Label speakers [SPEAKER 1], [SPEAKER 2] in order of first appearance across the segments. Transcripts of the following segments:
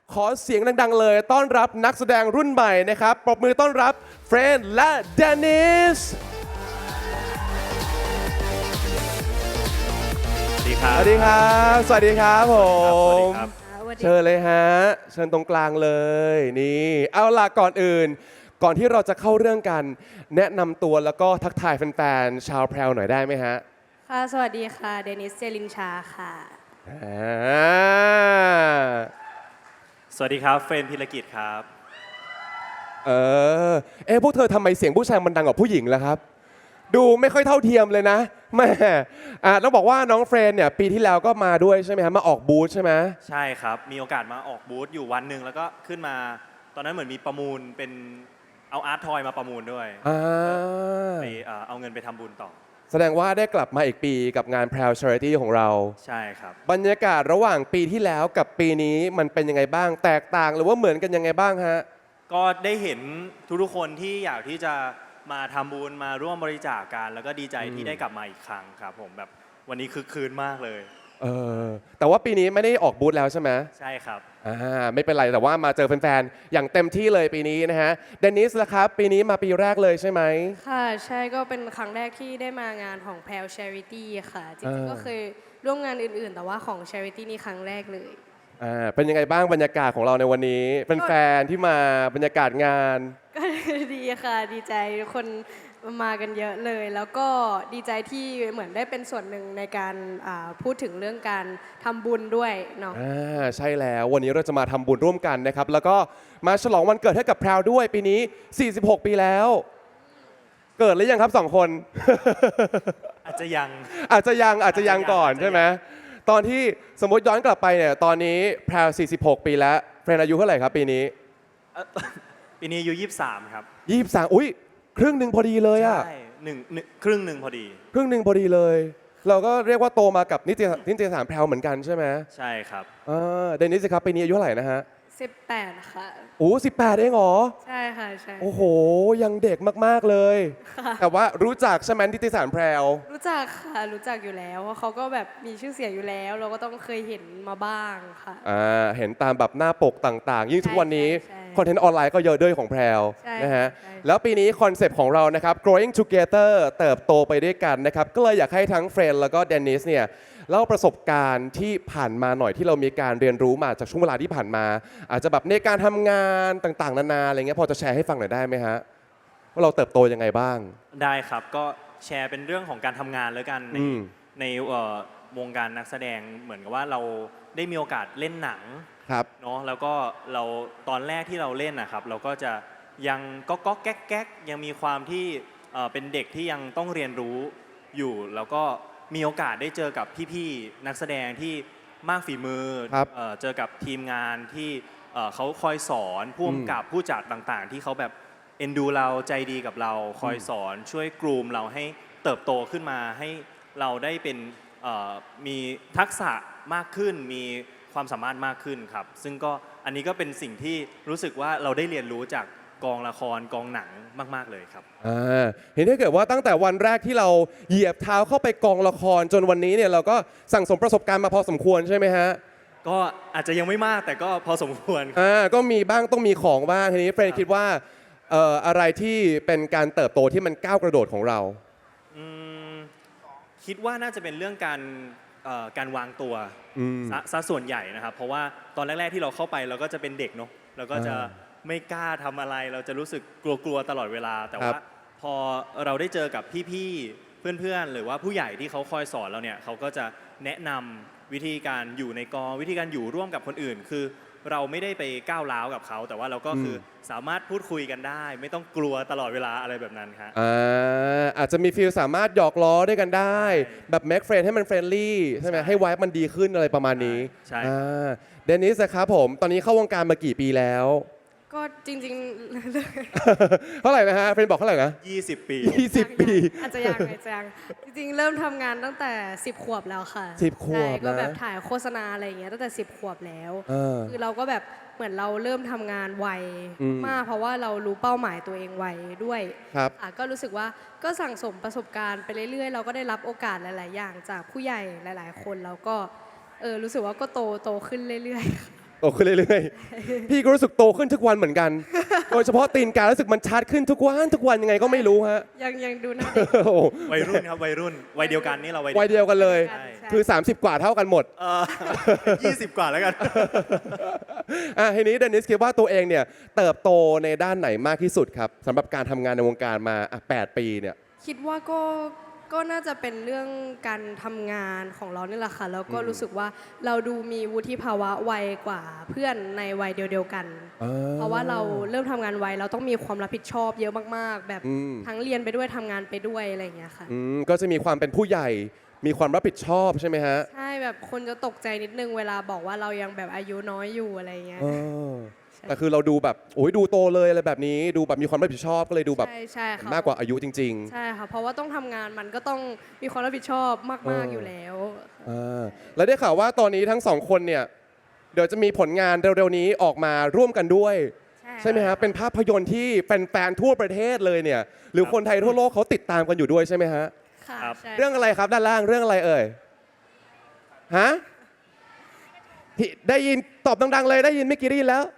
[SPEAKER 1] ขอเสียงดังๆเลยต้อนรับนักแสดงรุ่นใหม่นะครับปรบมือต้อนรับเฟรนและเดนิส
[SPEAKER 2] สวัสดีครับ
[SPEAKER 1] สวัสดีครับสวัสดีครับผม
[SPEAKER 2] สวัสดีครับ
[SPEAKER 1] เชิญเลยฮะเชิญตรงกลางเลยนี่เอาล่ะก่อนอื่น ก่อนที่เราจะเข้าเรื่องกัน แนะนำตัวแล้วก็ทักทายแฟนๆชาวแพรวหน่อยได้ไหมฮะ
[SPEAKER 3] ค่ะสวัสดีค่ะเดนิสเจลินชาค่ะ
[SPEAKER 1] อ่า
[SPEAKER 2] สวัสดีครับเฟรนพิรกิจครับ
[SPEAKER 1] เออพวกเธอทำไมเสียงผู้ชายมันดังกว่าผู้หญิงล่ะครับ ดูไม่ค่อยเท่าเทียมเลยนะแม่ต้องบอกว่าน้องเฟรนเนี่ยปีที่แล้วก็มาด้วยใช่ไหมครับมาออกบูธใช่ไหม
[SPEAKER 2] ใช่ครับ มีโอกาสมาออกบูธอยู่วันหนึ่งแล้วก็ขึ้นมา ตอนนั้นเหมือนมีประมูลเป็นเอาอาร์ตทอยมาประมูลด้วยไปเอาเงินไปทำบุญต่อ
[SPEAKER 1] แสดงว่าได้กลับมาอีกปีกับงาน Proud Charity ของเรา
[SPEAKER 2] ใช่ครับ
[SPEAKER 1] บรรยากาศระหว่างปีที่แล้วกับปีนี้มันเป็นยังไงบ้าง แตกต่างหรือว่าเหมือนกันยังไงบ้างฮะ
[SPEAKER 2] ก็ได้เห็นทุกๆคนที่อยากที่จะมาทำบุญมาร่วมบริจาคกันแล้วก็ดีใจที่ได้กลับมาอีกครั้งครับผมแบบวันนี้คึกคืนมากเลย
[SPEAKER 1] แต่ว่าปีนี้ไม่ได้ออกบูธแล้วใช่ไหม
[SPEAKER 2] ใช่ครับ
[SPEAKER 1] ไม่เป็นไรแต่ว่ามาเจอแฟนๆอย่างเต็มที่เลยปีนี้นะฮะเดนิสล่ะครับปีนี้มาปีแรกเลยใช่ไหม
[SPEAKER 3] ค่ะใช่ก็เป็นครั้งแรกที่ได้มางานของ Pal Charity ค่ะจริงๆก็เคยร่วมงานอื่นๆ แต่ว่าของ Charity นี่ครั้งแรกเลย
[SPEAKER 1] เป็นยังไงบ้างบรรยากาศของเราในวันนี้แฟนๆที่มาบรรยากาศงาน
[SPEAKER 3] ก็ดีค่ะดีใจทุกคนมากันเยอะเลย แล้วก็ดีใจที่เหมือนได้เป็นส่วนหนึ่งในการพูดถึงเรื่องการทำบุญด้วยเนาะ
[SPEAKER 1] ใช่แล้ววันนี้เราจะมาทำบุญร่วมกันนะครับแล้วก็มาฉลองวันเกิดให้กับแพรวด้วยปีนี้46ปีแล้วเกิดหรือยังครับ2 คน
[SPEAKER 2] อาจจะยัง
[SPEAKER 1] อาจจะยังก่อนใช่ไหมตอนที่สมมติย้อนกลับไปเนี่ยตอนนี้แพรว46ปีแล้วเฟรนอายุเท่าไหร่ครับปีนี้
[SPEAKER 2] ปีนี้อายุ23ครับ
[SPEAKER 1] 23อุ้ยครึ่งหนึ่งพอดีเลยอะ
[SPEAKER 2] ใช่ครึ่งหนึ่งพอดี
[SPEAKER 1] ครึ่งหนึ่งพอดีเลย เราก็เรียกว่าโตมากับนิตยสารแพรวเหมือนกันใช่ไหม
[SPEAKER 2] ใช่ครับ
[SPEAKER 1] เดนิสครับปีนี้อายุเท่าไหร่นะฮะ
[SPEAKER 3] 18ค่ะ
[SPEAKER 1] โอ้18เองเหรอ
[SPEAKER 3] ใช่ค่ะใช่
[SPEAKER 1] โอ้โหยังเด็กมากๆเลยแต่ว่ารู้จักใช่ไหมนิตยสารแพรว
[SPEAKER 3] รู้จักค่ะรู้จักอยู่แล้วว่าเขาก็แบบมีชื่อเสียงอยู่แล้ว เราก็ต้องเคยเห็นมาบ้างค่ะ
[SPEAKER 1] เห็นตามแบบหน้าปกต่างๆยิ่งทุกวันนี้คอนเทนต์ออนไลน์ก็เยอะด้วยของแพรวนะฮะแล้วปีนี้คอนเซปต์ของเรานะครับ growing together เติบโตไปด้วยกันนะครับก็เลยอยากให้ทั้งเฟรนแล้วก็เดนิสเนี่ยเล่าประสบการณ์ที่ผ่านมาหน่อยที่เรามีการเรียนรู้มาจากช่วงเวลาที่ผ่านมา อาจจะแบบในการทำงานต่างๆนานาอะไรเงี้ยพอจะแชร์ให้ฟังหน่อยได้ไหมฮะว่าเราเติบโตยังไงบ้าง
[SPEAKER 2] ได้ครับก็แชร์เป็นเรื่องของการทำงานแล้วกันในวงการนักแสดงเหมือนกับว่าเราได้มีโอกาสเล่นหนังเนาะแล้วก็เราตอนแรกที่เราเล่นนะครับเราก็จะยังก็แก๊กยังมีความที่เป็นเด็กที่ยังต้องเรียนรู้อยู่แล้วก็มีโอกาสได้เจอกับพี่ๆนักแสดงที่มากฝีมือเจอกับทีมงานที่เขาคอยสอนผู้กำกับผู้จัดต่างๆที่เขาแบบเอ็นดูเราใจดีกับเราคอยสอนช่วยกรูมเราให้เติบโตขึ้นมาให้เราได้เป็นมีทักษะมากขึ้นมีความสามารถมากขึ้นครับซึ่งก็อันนี้ก็เป็นสิ่งที่รู้สึกว่าเราได้เรียนรู้จากกองละครกองหนังมากๆเลยครับ
[SPEAKER 1] เห็นได้เกิดว่าตั้งแต่วันแรกที่เราเหยียบเท้าเข้าไปกองละครจนวันนี้เนี่ยเราก็สั่งสมประสบการณ์มาพอสมควรใช่ไหมฮะ
[SPEAKER 2] ก็อาจจะยังไม่มากแต่ก็พอสมควร
[SPEAKER 1] ก็มีบ้างต้องมีของบ้างทีนี้เฟรนคิดว่าอะไรที่เป็นการเติบโตที่มันก้าวกระโดดของเรา
[SPEAKER 2] คิดว่าน่าจะเป็นเรื่องการวางตัวซะส่วนใหญ่นะครับเพราะว่าตอนแรกๆที่เราเข้าไปเราก็จะเป็นเด็กเนาะเราก็จะไม่กล้าทำอะไรเราจะรู้สึกกลัวตลอดเวลาแต่ว่าพอเราได้เจอกับพี่ๆเพื่อนๆหรือว่าผู้ใหญ่ที่เขาคอยสอนเราเนี่ยเขาก็จะแนะนำวิธีการอยู่ในกองวิธีการอยู่ร่วมกับคนอื่นคือเราไม่ได้ไปก้าวร้าวกับเขาแต่ว่าเราก็คือสามารถพูดคุยกันได้ไม่ต้องกลัวตลอดเวลาอะไรแบบนั้นครับ
[SPEAKER 1] อาจจะมีฟีลสามารถหยอกล้อด้วยกันได้แบบแม็กเฟรนให้มันเฟรนลี่ใช่ไหมให้ไวฟ์มันดีขึ้นอะไรประมาณนี้
[SPEAKER 2] ใช่
[SPEAKER 1] เดนิสครับผมตอนนี้เข้าวงการมากี่ปีแล้ว
[SPEAKER 3] ก็จริง
[SPEAKER 1] ๆเท่าไหร่นะฮะเฟรนบอกเท่าไหร่นะ
[SPEAKER 2] 20 ปี
[SPEAKER 1] 20 ปี
[SPEAKER 3] อาจจะยังจริงๆเริ่มทำงานตั้งแต่10 ขวบแล้วค่ะ
[SPEAKER 1] 10 ขวบ
[SPEAKER 3] ก็แบบถ่ายโฆษณาอะไรอย่างเงี้ยตั้งแต่10 ขวบแล้วคือเราก็แบบเหมือนเราเริ่มทำงานไวมากเพราะว่าเรารู้เป้าหมายตัวเองไวด้วยก็รู้สึกว่าก็สั่งสมประสบการณ์ไปเรื่อยๆเราก็ได้รับโอกาสหลายๆอย่างจากผู้ใหญ่หลายๆคนแล้วก็รู้สึกว่าก็โตขึ้นเรื่อย
[SPEAKER 1] โตขึ้นเรื่อยๆ พี่ก็รู้สึกโตขึ้นทุกวันเหมือนกัน โดยเฉพาะตีนการู้สึกมันชัดขึ้นทุกวันยังไงก็ไม่รู้ฮะ
[SPEAKER 3] ยังดูหน้าเด็ก
[SPEAKER 1] โอ้โห
[SPEAKER 2] วัยรุ่นครับวัยรุ่นวัยเดียวกันนี่เราวัย
[SPEAKER 1] วัยเดียวกันเลย
[SPEAKER 3] ใช่
[SPEAKER 1] คือ 30 กว่าเท่ากันหมด
[SPEAKER 2] 20 กว่าแล้วกัน
[SPEAKER 1] ทีนี้เดนิสคิดว่าตัวเองเนี่ยเติบโตในด้านไหนมากที่สุดครับสำหรับการทำงานในวงการมา8 ปีเนี่ย
[SPEAKER 3] คิดว่าก็น่าจะเป็นเรื่องการทำงานของเรานี่แหละค่ะแล้วก็รู้สึกว่าเราดูมีวุฒิภาวะไวกว่าเพื่อนในวัยเดียวกัน เพราะว่าเราเริ่มทำงานไวเราต้องมีความรับผิดชอบเยอะมากๆ แบบทั้งเรียนไปด้วยทำงานไปด้วยอะไรอย่างเงี้ยค่ะ
[SPEAKER 1] ก็จะมีความเป็นผู้ใหญ่ มีความรับผิดชอบใช่ไหมฮะ
[SPEAKER 3] ใช่แบบคนจะตกใจนิดนึงเวลาบอกว่าเรายังแบบอายุน้อยอยู่อะไรอย่างเงี้ย
[SPEAKER 1] แต่คือเราดูแบบโอ้ยดูโตเลยอะไรแบบนี้ดูแบบมีความรับผิดชอบก็เลยดูแบบ
[SPEAKER 3] ใช่ค่ะ
[SPEAKER 1] มากกว่าอายุจริง
[SPEAKER 3] ใช่ค่ะเพราะว่าต้องทำงานมันก็ต้องมีความรับผิดชอบมากๆอยู่แล้ว
[SPEAKER 1] แล้วได้ข่าวว่าตอนนี้ทั้งสองคนเนี่ยเดี๋ยวจะมีผลงานเร็วๆนี้ออกมาร่วมกันด้วย ใช่ไหมฮะเป็นภาพยนตร์ที่แฟนๆทั่วประเทศเลยเนี่ยหรือคนไทยทั่วโลกเขาติดตามกันอยู่ด้วยใช่ไหมฮะ
[SPEAKER 3] ค่ะ
[SPEAKER 2] ครับ
[SPEAKER 3] ใช่
[SPEAKER 1] เรื่องอะไรครับด้านล่างเรื่องอะไรเอ่ยฮะที่ได้ยินตอบดังๆเลยได้ยินเมื่อกี้ได้ยินแล้ว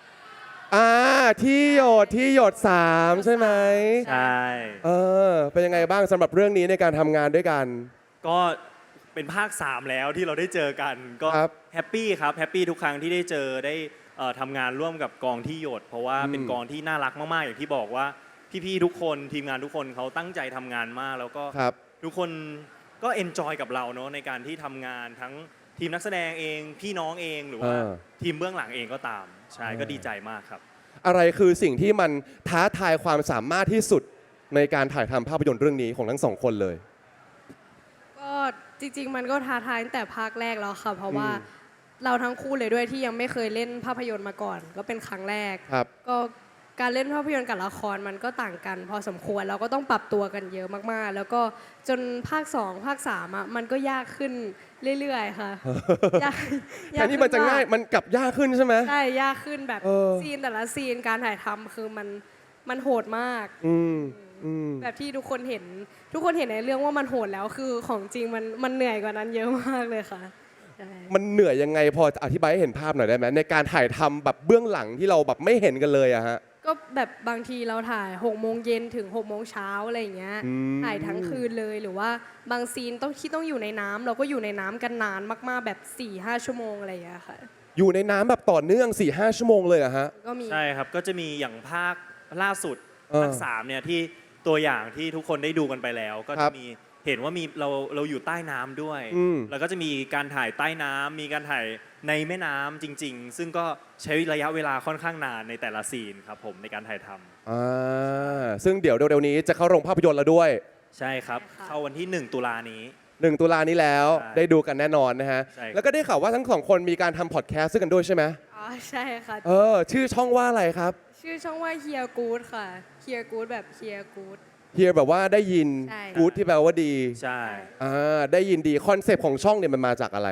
[SPEAKER 1] ที่หยด3ใช่ไหม
[SPEAKER 2] ใช่
[SPEAKER 1] เป็นยังไงบ้างสำหรับเรื่องนี้ในการทำงานด้วยกัน
[SPEAKER 2] ก็เป็นภาค 3 แล้วที่เราได้เจอกันก็
[SPEAKER 1] ครับ
[SPEAKER 2] แฮปปี้ครับแฮปปี้ทุกครั้งที่ได้เจอได้ทำงานร่วมกับกองที่หยด เพราะว่าเป็นกองที่น่ารักมากๆอย่างที่บอกว่าพี่ๆทุกคนทีมงานทุกคนเขาตั้งใจทำงานมาก แล้วก็
[SPEAKER 1] ครับ
[SPEAKER 2] ทุกคนก็เอนจอยกับเราเนาะในการที่ทำงานทั้งทีมนักแสดงเองพี่น้องเองหรือว่าทีมเบื้องหลังเองก็ตามใช่ก็ดีใจมากครับ
[SPEAKER 1] อะไรคือสิ่งที่มันท้าทายความสามารถที่สุดในการถ่ายทำภาพยนตร์เรื่องนี้ของทั้งสองคนเลย
[SPEAKER 3] ก็จริงๆมันก็ท้าทายตั้งแต่ภาคแรกแล้วค่ะเพราะว่าเราทั้งคู่เลยด้วยที่ยังไม่เคยเล่นภาพยนตร์มาก่อน ก็เป็นครั้งแรก
[SPEAKER 1] ครับ
[SPEAKER 3] ก็การเล่นภาพยนตร์กับละครมันก็ต่างกัน พอสมควรเราก็ต้องปรับตัวกันเยอะมากๆ แล้วก็จนภาค 2 ภาค 3อ่ะมันก็ยากขึ้นเรื่อยๆ ค่ะยาก
[SPEAKER 1] แทนที่มันจะง่ายมันกลับยากขึ้นใช่ไหม
[SPEAKER 3] ใช่ยากขึ้นแบบ
[SPEAKER 1] เออ
[SPEAKER 3] ซีนแต่ละซีนการถ่ายทำคือมันโหดมาก แบบที่ทุกคนเห็นในเรื่องว่ามันโหดแล้วคือของจริงมันเหนื่อยกว่านั้นเยอะมากเลยค่ะใช่
[SPEAKER 1] มันเหนื่อยยังไงพออธิบายให้เห็นภาพหน่อยได้ไหมในการถ่ายทำแบบเบื้องหลังที่เราแบบไม่เห็นกันเลยอะฮะ
[SPEAKER 3] ก็แบบบางทีเราถ่าย6 โมงเย็นถึง6 โมงเช้าอะไรอย่างเงี้ยถ่ายทั้งคืนเลยหรือว่าบางซีนต้องอยู่ในน้ำเราก็อยู่ในน้ำกันนานมากๆแบบ 4-5 ชั่วโมงอะไรอย่างเงี้ยค่ะ
[SPEAKER 1] อยู่ในน้ำแบบต่อเนื่อง 4-5 ชั่วโมงเลยอะฮะ
[SPEAKER 3] ก็มี
[SPEAKER 2] ใช่ครับ ก็จะมีอย่างภาคล่าสุด
[SPEAKER 1] เออ
[SPEAKER 2] ภาค3เนี่ยที่ตัวอย่างที่ทุกคนได้ดูกันไปแล้ว ก็
[SPEAKER 1] ครั
[SPEAKER 2] จะ
[SPEAKER 1] บ
[SPEAKER 2] มีเห็นว่ามีเราอยู่ใต้น้ำด้วย
[SPEAKER 1] อืม
[SPEAKER 2] แล้วก็จะมีการถ่ายใต้น้ำมีการถ่ายในแม่น้ำจริง ๆ ซึ่งก็ใช้ระยะเวลาค่อนข้างนานในแต่ละซีนครับผมในการถ่ายทำ
[SPEAKER 1] ซึ่งเดี๋ยวเร็วๆนี้จะเข้าโรงภาพยนตร์แล้วด้วย
[SPEAKER 2] ใช่ครับ
[SPEAKER 3] ใช่ค่ะ
[SPEAKER 2] เข้าวันที่ 1 ตุลานี้
[SPEAKER 1] 1 ตุลานี้แล้ว
[SPEAKER 2] ใช่
[SPEAKER 1] ได้ดูกันแน่นอนนะฮะ
[SPEAKER 2] ใช่ครับ
[SPEAKER 1] แล้วก็ได้ข่าวว่าทั้งสองคนมีการทำพอดแคสต์กันด้วยใช่ไหม
[SPEAKER 3] อ๋อใช่ค่ะ
[SPEAKER 1] ชื่อช่องว่าอะไรครับ
[SPEAKER 3] ชื่อช่องว่าเฮียกูดค่ะเฮียกูดแบบเฮียกูด
[SPEAKER 1] เฮียแบบว่าได้ยิน
[SPEAKER 3] ใช่
[SPEAKER 1] กู๊ดที่แปลว่าดี
[SPEAKER 2] ใช่
[SPEAKER 1] ได้ยินดีคอนเซปต์ของช่องเนี่ยมันมาจากอะไร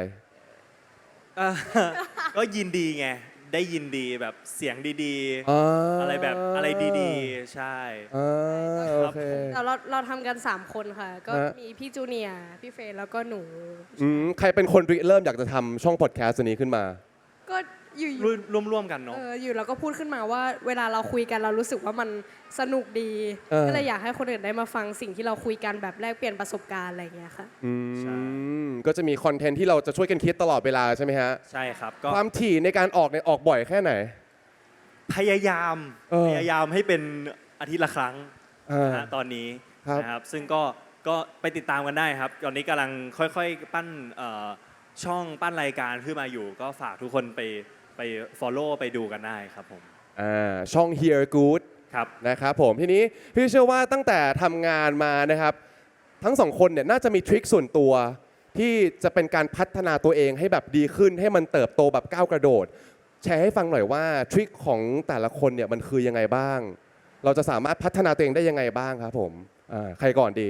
[SPEAKER 2] ก็ยินดีไงได้ยินดีแบบเสียงดี
[SPEAKER 1] อ่า
[SPEAKER 2] ๆ อะไรแบบอะไรดีๆ ใช่
[SPEAKER 1] โอเค
[SPEAKER 3] เราทำกัน 3 คนค่ะ ก็
[SPEAKER 1] ฮะ
[SPEAKER 3] มีพี่จูเนียร์พี่เฟรนแล้วก็หนู
[SPEAKER 1] ใครเป็นคนริเริ่มอยากจะทำช่องพอดแคสต์ตัวนี้ขึ้นมา
[SPEAKER 3] ก็อยู่
[SPEAKER 2] ร่วมๆกันเนาะ
[SPEAKER 3] อยู่เราก็พูดขึ้นมาว่าเวลาเราคุยกันเรารู้สึกว่ามันสนุกดี ก็เลยอยากให้คนอื่นได้มาฟังสิ่งที่เราคุยกันแบบแลกเปลี่ยนประสบการณ์อะไรอย่างเงี้ยค่ะ
[SPEAKER 2] ใช่
[SPEAKER 1] ก็จะมีคอนเทนต์ที่เราจะช่วยกันคิดตลอดเวลาใช่ไหมฮะ
[SPEAKER 2] ใช่ครับก็
[SPEAKER 1] ความถี่ในการออกเนี่ยออกบ่อยแค่ไหน
[SPEAKER 2] พยายาม พยายามให้เป็นอาทิตย์ละครั้ง นะฮะตอนนี้
[SPEAKER 1] ครับ
[SPEAKER 2] นะครับซึ่งก็ไปติดตามกันได้ครับ ตอนนี้กำลังค่อยๆปั้นช่องปั้นรายการขึ้นมาอยู่ ก็ฝากทุกคนไป follow ไปดูกันได้ครับผม
[SPEAKER 1] ช่อง Hear Good
[SPEAKER 2] ครับ
[SPEAKER 1] นะครับผมทีนี้พี่เชื่อว่าตั้งแต่ทำงานมานะครับ ทั้งสองคนเนี่ยน่าจะมีทริคส่วนตัว ที่จะเป็นการพัฒนาตัวเองให้แบบดีขึ้น ให้มันเติบโตแบบก้าวกระโดด แชร์ให้ฟังหน่อยว่าทริคของแต่ละคนเนี่ยมันคือยังไงบ้าง เราจะสามารถพัฒนาตัวเองได้ยังไงบ้างครับผมใครก่อนดี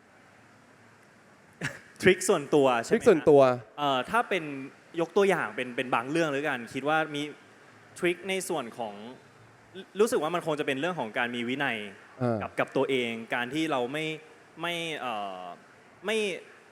[SPEAKER 2] ทริคส่วนตัว
[SPEAKER 1] ท
[SPEAKER 2] ใช่ไหม
[SPEAKER 1] ริคส่วนตัว
[SPEAKER 2] ถ้าเป็นยกตัวอย่างเป็นบางเรื่องหรือกันคิดว่ามีทริคในส่วนของรู้สึกว่ามันคงจะเป็นเรื่องของการมีวินัย
[SPEAKER 1] อ่า
[SPEAKER 2] กับตัวเอง การที่เราไม่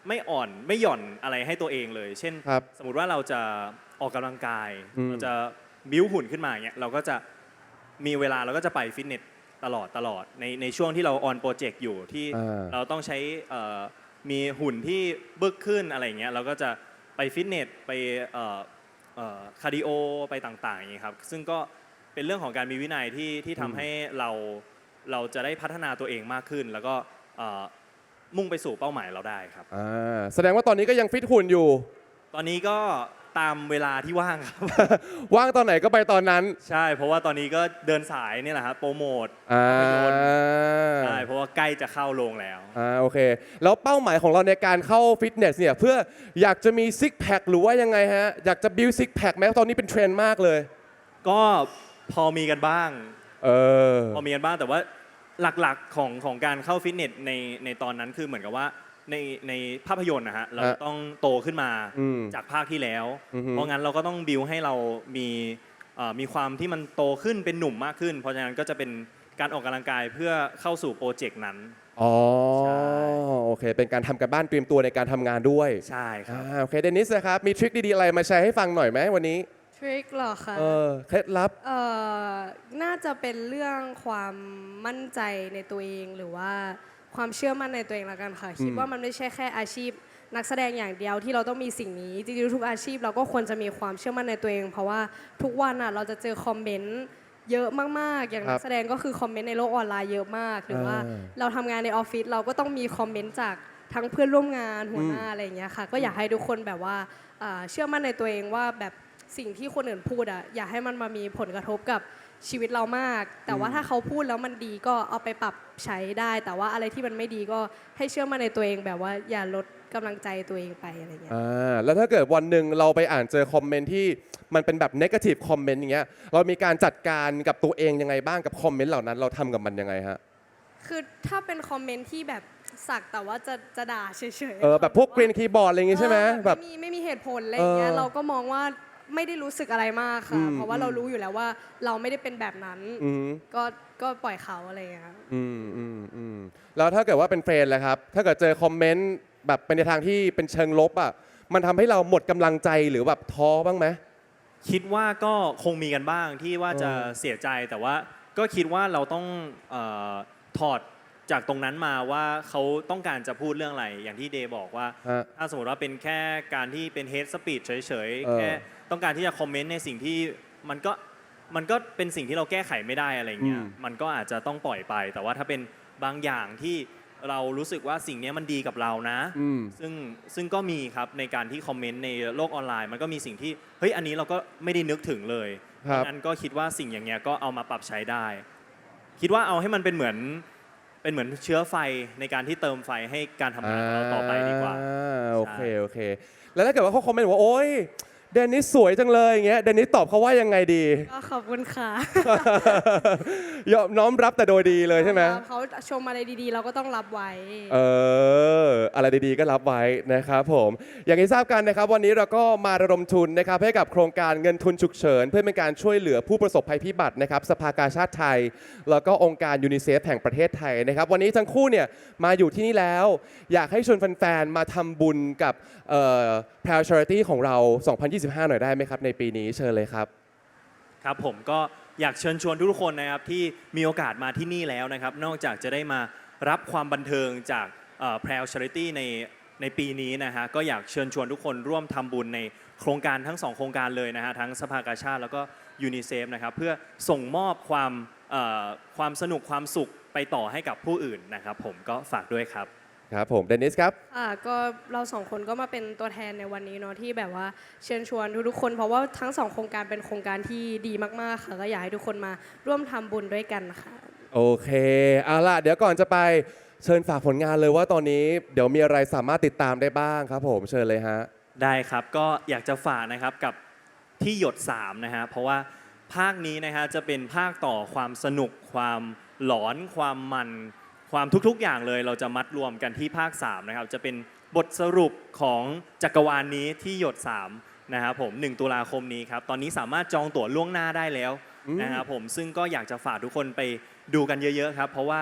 [SPEAKER 2] ไม่อ่อนไม่หย่อนอะไรให้ตัวเองเลย เช่น
[SPEAKER 1] ครับ
[SPEAKER 2] สมมุติว่าเราจะออกกำลังกาย
[SPEAKER 1] อืม
[SPEAKER 2] เราจะบิ้วหุ่นขึ้นมาอย่างเงี้ยเราก็จะมีเวลาเราก็จะไปฟิตเนสตลอดในช่วงที่เราออนโปรเจกต์อยู่ที่ เราต้องใช้มีหุ่นที่บึกขึ้นอะไรอย่างเงี้ยเราก็จะไปฟิตเนสไปคาร์ดิโอไปต่างๆอย่างเงี้ยครับซึ่งก็เป็นเรื่องของการมีวินัยที่ทำให้เราจะได้พัฒนาตัวเองมากขึ้น แล้วก็มุ่งไปสู่เป้าหมายเราได้ครับ
[SPEAKER 1] แสดงว่าตอนนี้ก็ยังฟิตหุ่นอยู่
[SPEAKER 2] ตอนนี้ก็ตามเวลาที่ว่างครับ
[SPEAKER 1] ว่างตอนไหนก็ไปตอนนั้น
[SPEAKER 2] ใช่เพราะว่าตอนนี้ก็เดินสายนี่แหละครับโปรโมท
[SPEAKER 1] อ่า
[SPEAKER 2] ภาพยนตร์ใช่เพราะว่าใกล้จะเข้าโรงแล้ว
[SPEAKER 1] โอเค แล้วเป้าหมายของเราในการเข้าฟิตเนสเนี่ยเพื่ออยากจะมีซิกแพคหรือว่ายังไงฮะ อยากจะบิวซิกแพคไหมตอนนี้เป็นเทรนด์มากเลย
[SPEAKER 2] ก็พอมีกันบ้าง
[SPEAKER 1] เออ
[SPEAKER 2] พอมีกันบ้างแต่ว่าหลักๆของการเข้าฟิตเนสในตอนนั้นคือเหมือนกับว่าในภาพยนตร์นะฮะเราต้องโตขึ้นมา
[SPEAKER 1] อืม
[SPEAKER 2] จากภาคที่แล้ว
[SPEAKER 1] อือฮึ
[SPEAKER 2] เพราะงั้นเราก็ต้องบิวให้เรามีความที่มันโตขึ้นเป็นหนุ่มมากขึ้น เพราะฉะนั้นก็จะเป็นการออกกำลังกายเพื่อเข้าสู่โปรเจกต์นั้น
[SPEAKER 1] อ๋อ
[SPEAKER 2] ใช่
[SPEAKER 1] โอเค เป็นการทำกันบ้านเตรียมตัวในการทำงานด้วย
[SPEAKER 2] ใช่ครับ
[SPEAKER 1] โอเค เดนิสนะครับ มีทริคดีๆอะไรมาแชร์ให้ฟังหน่อยไหมวันนี้
[SPEAKER 3] ทริคเหรอคะ
[SPEAKER 1] เคล็ดลับ
[SPEAKER 3] น่าจะเป็นเรื่องความมั่นใจในตัวเองหรือว่าความเชื่อมั่นในตัวเองละกันค่ะ คิดว่ามันไม่ใช่แค่อาชีพนักแสดงอย่างเดียวที่เราต้องมีสิ่งนี้จริงๆทุกอาชีพเราก็ควรจะมีความเชื่อมั่นในตัวเอง เพราะว่าทุกวันอ่ะเราจะเจอคอมเมนต์เยอะมากๆ อย่างนักแสดงก็คือคอมเมนต์ในโลกออนไลน์เยอะมาก หรือว่าเราทำงานในออฟฟิศเราก็ต้องมีคอมเมนต์จากทั้งเพื่อนร่วมงานหัวหน้าอะไรอย่างเงี้ยค่ะก็อยากให้ทุกคนแบบว่าเชื่อมั่นในตัวเองว่าแบบสิ่งที่คนอื่นพูดอ่ะอย่าให้มันมามีผลกระทบกับชีวิตเรามาก แต่ว่าถ้าเขาพูดแล้วมันดีก็เอาไปปรับใช้ได้ แต่ว่าอะไรที่มันไม่ดีก็ให้เชื่อมั่นในตัวเองแบบว่าอย่าลดกำลังใจตัวเองไปอะไรเงี้ย
[SPEAKER 1] แล้วถ้าเกิดวันหนึ่งเราไปอ่านเจอคอมเมนต์ที่มันเป็นแบบ negative comment อย่างเงี้ย เรามีการจัดการกับตัวเองยังไงบ้างกับคอมเมนต์เหล่านั้น เราทำกับมันยังไงฮะ
[SPEAKER 3] คือถ้าเป็นคอมเมนต์ที่แบบสักแต่ว่าจะด่าเฉยๆ
[SPEAKER 1] แบบพวกเกรียนคีย์บอร์ดอะไรอย่างงี้ใช่ไหมแบบ
[SPEAKER 3] ไม่มีเหตุผลอะไรอย่างเงี้ย
[SPEAKER 1] เออ
[SPEAKER 3] เราก็มองว่าไม่ได้รู้สึกอะไรมาก
[SPEAKER 1] อื
[SPEAKER 3] ค่ะ
[SPEAKER 1] ม
[SPEAKER 3] เพราะว่าเรารู้อยู่แล้วว่าเราไม่ได้เป็นแบบนั้น
[SPEAKER 1] อืม
[SPEAKER 3] ก็ปล่อยเขาอะไรอย่างเงี้ย
[SPEAKER 1] แล้วถ้าเกิดว่าเป็นเฟรนด์ล่ะครับ ถ้าเกิดเจอคอมเมนต์แบบเป็นในทางที่เป็นเชิงลบอ่ะ มันทำให้เราหมดกำลังใจหรือแบบท้อบ้างไหม
[SPEAKER 2] คิดว่าก็คงมีกันบ้างที่ว่าจะเสียใจแต่ว่าก็คิดว่าเราต้องถอดจากตรงนั้นมาว่าเขาต้องการจะพูดเรื่องอะไรอย่างที่เดย์บอกว่า
[SPEAKER 1] ฮะ
[SPEAKER 2] ถ้าสมมติว่าเป็นแค่การที่เป็นเฮดสปีดเฉย
[SPEAKER 1] เอ
[SPEAKER 2] ๆ
[SPEAKER 1] อ
[SPEAKER 2] แค่ต้องการที่จะคอมเมนต์ในสิ่งที่มันก็เป็นสิ่งที่เราแก้ไขไม่ได้อะไรเงี้ยมันก็อาจจะต้องปล่อยไป แต่ว่าถ้าเป็นบางอย่างที่เรารู้สึกว่าสิ่งนี้มันดีกับเรานะ
[SPEAKER 1] อืม
[SPEAKER 2] ซึ่งก็มีครับในการที่คอมเมนต์ในโลกออนไลน์มันก็มีสิ่งที่เฮ้ยอันนี้เราก็ไม่ได้นึกถึงเลย
[SPEAKER 1] ครั
[SPEAKER 2] เพ
[SPEAKER 1] บ
[SPEAKER 2] ราะงั้นก็คิดว่าสิ่งอย่างเงี้ยก็เอามาปรับใช้ได้ คิดว่าเอาให้มันเป็นเหมือนเชื้อไฟในการที่เติมไฟให้การทำงานของเราต่อไปดีกว่า
[SPEAKER 1] โอเค แล้วถ้าเกิดว่าเขาคอมเมนต์ว่าโอ๊ยเดนิสสวยจังเลยอย่างเงี้ยเดนิสตอบเขาว่ายังไงดี
[SPEAKER 3] ก็ขอบคุณค่ะ
[SPEAKER 1] ยอมน้อมรับแต่โดยดีเลยใช่ไหม
[SPEAKER 3] เขาชมอะไรดีๆ เราก็ต้องรับไว้
[SPEAKER 1] อะไรดีๆก็รับไว้นะครับผมอย่างที่ทราบกันนะครับวันนี้เราก็มาระดมทุนนะครับให้กับโครงการเงินทุนฉุกเฉินเพื่อเป็นการช่วยเหลือผู้ประสบภัยพิบัตินะครับสภากาชาติไทย แล้วก็องค์การยูนิเซฟแห่งประเทศไทยนะครับวันนี้ทั้งคู่เนี่ยมาอยู่ที่นี่แล้ว อยากให้ชวนแฟนๆมาทำบุญกับแพลชาริตี้ของเรา 2025 หน่อยได้ไหมครับในปีนี้เชิญเลยครับ
[SPEAKER 2] ครับผมก็อยากเชิญชวนทุกคนนะครับที่มีโอกาสมาที่นี่แล้วนะครับนอกจากจะได้มารับความบันเทิงจากแพรวชาริตี้ในปีนี้นะฮะก็อยากเชิญชวนทุกคนร่วมทำบุญในโครงการทั้ง2โครงการเลยนะฮะทั้งสภากาชาติแล้วก็ยูนิเซฟนะครับเพื่อส่งมอบความสนุกความสุขไปต่อให้กับผู้อื่นนะครับผมก็ฝากด้วยครับ
[SPEAKER 1] ครับผมเดนิสครับ
[SPEAKER 3] ก็เราสองคนก็มาเป็นตัวแทนในวันนี้เนาะที่แบบว่าเชิญชวนทุกๆคนเพราะว่าทั้งสองโครงการเป็นโครงการที่ดีมากๆค่ะก็อยากให้ทุกคนมาร่วมทำบุญด้วยกันค่ะ
[SPEAKER 1] โอเคเอาล่ะเดี๋ยวก่อนจะไปเชิญฝากผลงานเลยว่าตอนนี้เดี๋ยวมีอะไรสามารถติดตามได้บ้างครับผมเชิญเลยฮะ
[SPEAKER 2] ได้ครับก็อยากจะฝากนะครับกับที่หยด3นะฮะเพราะว่าภาคนี้นะฮะจะเป็นภาคต่อความสนุกความหลอนความมันความทุกๆอย่างเลยเราจะมัดรวมกันที่ภาค3นะครับจะเป็นบทสรุปของจักรวาลนี้ที่หยด3นะครับผม1ตุลาคมนี้ครับตอนนี้สามารถจองตั๋วล่วงหน้าได้แล้วนะครับผมซึ่งก็อยากจะฝากทุกคนไปดูกันเยอะๆครับเพราะว่า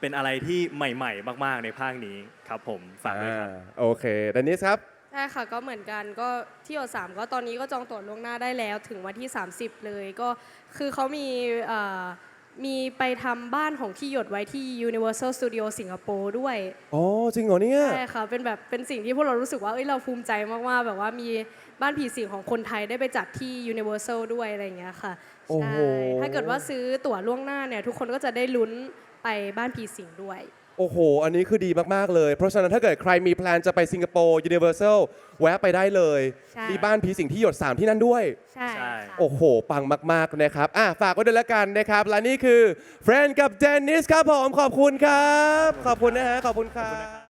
[SPEAKER 2] เป็นอะไรที่ใหม่ๆ มากๆในภาคนี้ครับผมฝากด้วยครับ
[SPEAKER 1] โอเคเดนิสครับ
[SPEAKER 3] ใช่ค่ะก็เหมือนกันก็ที่หยด3ก็ตอนนี้ก็จองตั๋วล่วงหน้าได้แล้วถึงวันที่ 30 เลยก็คือเขามีไปทำบ้านของที่หยดไว้ที่ Universal Studio สิงคโปร์ด้วย
[SPEAKER 1] อ๋อ จริงเหรอเนี่ย
[SPEAKER 3] ใช่ค่ะเป็นสิ่งที่พวกเรารู้สึกว่าเราภูมิใจมากๆแบบว่ามีบ้านผีสิงของคนไทยได้ไปจัดที่ Universal ด้วยอะไรอย่างเงี้ยค่ะ
[SPEAKER 1] โอ้
[SPEAKER 3] ใช่
[SPEAKER 1] โห
[SPEAKER 3] ถ้าเกิดว่าซื้อตั๋วล่วงหน้าเนี่ยทุกคนก็จะได้ลุ้นไปบ้านผีสิงด้วย
[SPEAKER 1] โอ้โห อันนี้คือดีมาก ๆ เลย เพราะฉะนั้นถ้าเกิดใครมีแพลนจะไปสิงคโปร์ Universal แวะไปได้เลย
[SPEAKER 3] ใช่
[SPEAKER 1] มีบ้านผีสิงที่หยด 3 ที่นั่นด้วย
[SPEAKER 3] ใช่ค่ะ
[SPEAKER 1] โอ้โห ปังมาก ๆ นะครับ ฝากไว้ด้วยแล้วกันนะครับ และนี่คือเฟรนกับเดนนิสครับผม ขอบคุณครับ ขอบคุณนะฮะ ขอบคุณครับ